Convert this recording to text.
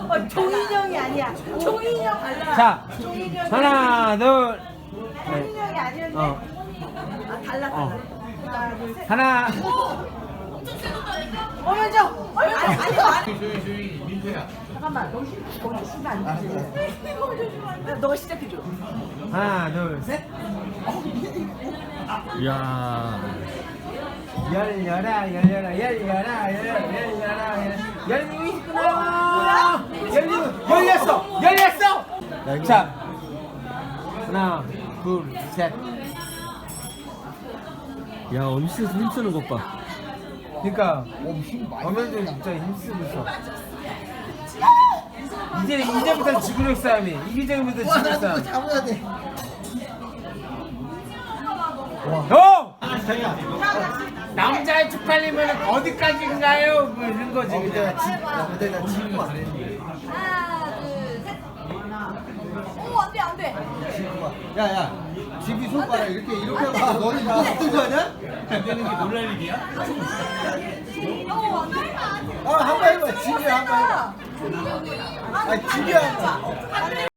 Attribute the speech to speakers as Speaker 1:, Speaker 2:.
Speaker 1: 종인형이 아니야. 종인형 달라.
Speaker 2: 자,
Speaker 1: 종인형이
Speaker 2: 하나, 둘,
Speaker 1: 종인형이 아니었네.
Speaker 2: 어,
Speaker 1: 아, 달라. 하나, 둘, 셋.
Speaker 2: 하나.
Speaker 1: 먼저. 아니. 잠깐만. 거기 쓰면 안 되지. 너가 시작해줘.
Speaker 2: 하나, 둘, 셋.
Speaker 3: 이야.
Speaker 2: 열려라, 열려라, 열려라, 열려라, 열리고 있구나. 열렸어, 열렸어. 자, 하나, 둘, 셋.
Speaker 3: 야, 엄시에서 힘쓰는 것 봐.
Speaker 2: 그러니까 어머니들 진짜 힘쓰고 있어. 이제부터 지구력 싸움이. 이기적이부터 지구력 싸움.
Speaker 4: 잡아야 돼.
Speaker 2: 형! 남자의 쪽팔림은 어디까지인가요? 뭐 이런 거지.
Speaker 4: 내가
Speaker 2: 그냥.
Speaker 4: 내가 지금 봐.
Speaker 1: 하나, 둘, 셋. 오, 안 돼, 안 돼.
Speaker 4: 야야, 집이 손가락 이렇게 하고 너는 이거 어떤 거 아니야?
Speaker 3: 안 되는 게 놀랄 일이야?
Speaker 1: 안 돼.
Speaker 4: 한번 해봐. 집이 한번 해봐. 집이 한번.